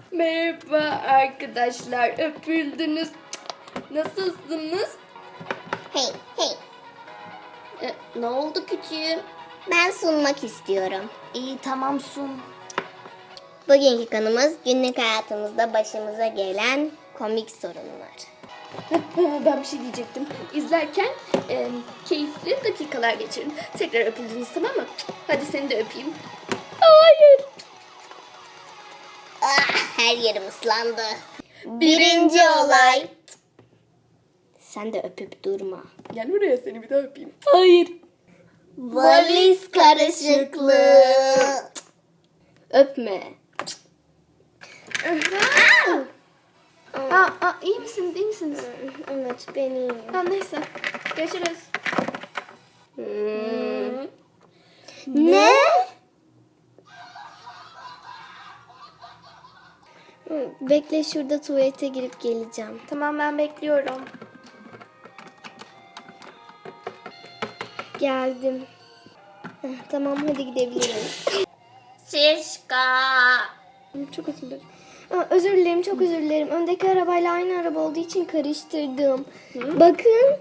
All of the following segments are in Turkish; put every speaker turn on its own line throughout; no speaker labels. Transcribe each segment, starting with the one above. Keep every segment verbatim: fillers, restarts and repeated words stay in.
Merhaba arkadaşlar, öpüldünüz. Nasılsınız?
Hey hey,
E, ne oldu küçüğüm?
ben sunmak istiyorum.
İyi tamam sun.
Bugünkü konumuz günlük hayatımızda başımıza gelen komik sorunlar.
Ben bir şey diyecektim. İzlerken e, keyifli dakikalar geçirin. Tekrar öpüldünüz, tamam mı? Hadi seni de öpeyim. Hayır.
Ah, her yerim ıslandı. Birinci olay. Sen de öpüp durma.
Gel buraya, seni bir daha öpeyim. Hayır.
Valiz karışıklığı.
Öpme. Aa, aa, iyi misiniz, iyi misiniz?
Evet benim.
Tamam neyse. Görüşürüz. Hmm.
Ne? Bekle, şurada tuvalete girip geleceğim.
Tamam, ben bekliyorum.
Geldim. Heh, tamam hadi gidebiliriz.
Şişka. Çok özür dilerim.
Aa, özür dilerim, çok özür dilerim. Öndeki arabayla aynı araba olduğu için karıştırdım. Bakın.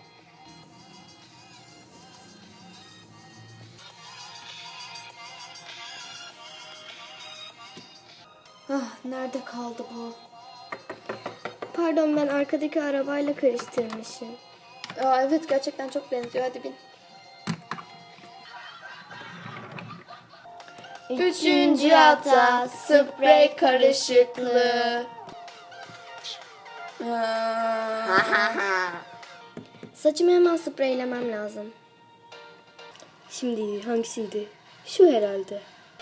Ah, nerede kaldı bu?
Pardon, ben arkadaki arabayla karıştırmışım.
Aa, evet, gerçekten çok benziyor. Hadi bin. Üçüncü hata, sprey karışıklığı. Aa.
Saçımı hemen spreylemem lazım.
Şimdi hangisiydi? Şu herhalde.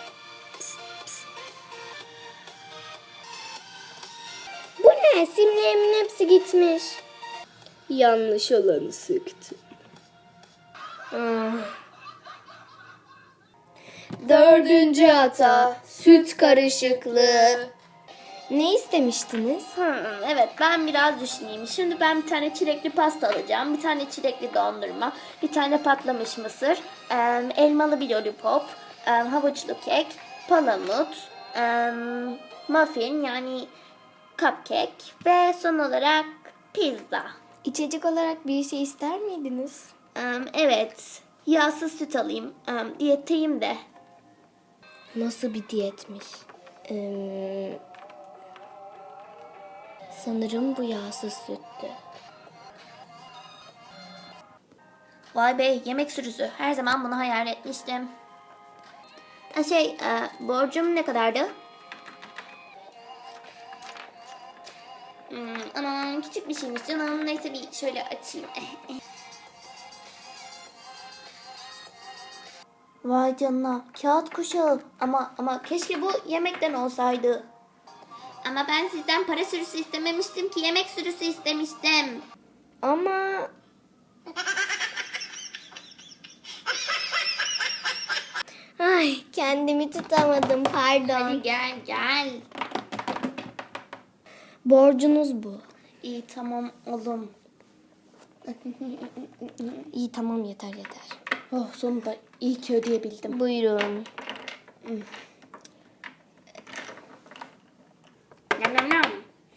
Bu ne? Simlerimin hepsi gitmiş.
Yanlış olanı sıktım. Ah. Dördüncü hata, süt karışıklığı.
Ne istemiştiniz?
Hmm, evet, ben biraz düşüneyim. Şimdi ben bir tane çilekli pasta alacağım. Bir tane çilekli dondurma. Bir tane patlamış mısır. em, elmalı bir lollipop. em, havuçlu kek. Palamut. em, muffin yani cupcake. Ve son olarak pizza.
İçecek olarak bir şey ister miydiniz?
Em, evet. Yağsız süt alayım. Em, diyetteyim de.
Nasıl bir diyetmiş? Ee, sanırım bu yağsız süttü.
Vay be, yemek sürüsü. Her zaman bunu hayal etmiştim. Ha, Şey, e, borcum ne kadardı? Hmm, aman küçük bir şeymiş canım. Neyse bir şöyle açayım. Vay canına, kağıt kuşağı. Ama ama keşke bu yemekten olsaydı. Ama ben sizden para sürüsü istememiştim ki, yemek sürüsü istemiştim.
Ama... Ay, kendimi tutamadım, pardon.
Hadi gel gel.
Borcunuz bu.
İyi tamam oğlum.
İyi tamam, yeter yeter.
Oh, sonunda iyi ki ödeyebildim.
Buyurun.
Nam nam nam.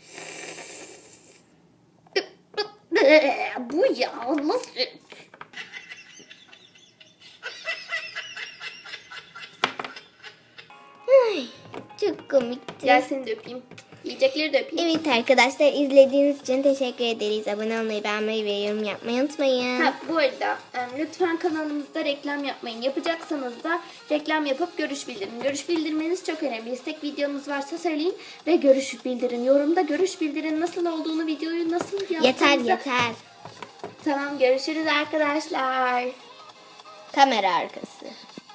Bu yağlı süt.
Ay, çok komikti.
Gel seni de öpeyim. Yiyecekleri de öpeyim.
Evet arkadaşlar, izlediğiniz için teşekkür ederiz. Abone olmayı, beğenmeyi ve yorum yapmayı unutmayın.
Ha, bu arada e, lütfen kanalımızda reklam yapmayın. Yapacaksanız da reklam yapıp görüş bildirin. Görüş bildirmeniz çok önemli. İstek videonuz varsa söyleyin ve görüş bildirin. Yorumda görüş bildirin, nasıl olduğunu, videoyu nasıl yaptığınızı.
Yeter yeter.
Tamam, görüşürüz arkadaşlar.
Kamera arkası.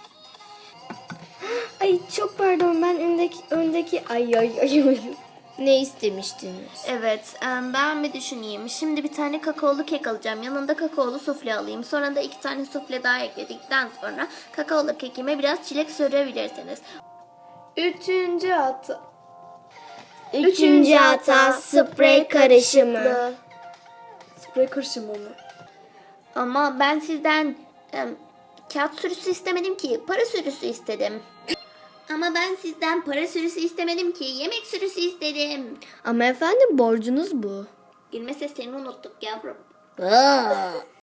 Ay çok pardon, ben öndeki öndeki ay ay ay ay. Ne istemiştiniz?
Evet, em, ben bir düşüneyim. Şimdi bir tane kakaolu kek alacağım. Yanında kakaolu sufle alayım. Sonra da iki tane sufle daha ekledikten sonra kakaolu kekime biraz çilek sürebilirsiniz.
Üçüncü hata.
Üçüncü hata, sprey karışımı.
Sprey karışımı mı?
Ama ben sizden em, kağıt sürüsü istemedim ki. Para sürüsü istedim.
Ama ben sizden para sürüsü istemedim ki. Yemek sürüsü istedim.
Ama efendim borcunuz bu.
Gülme seslerini unuttuk yavrum.
Aa.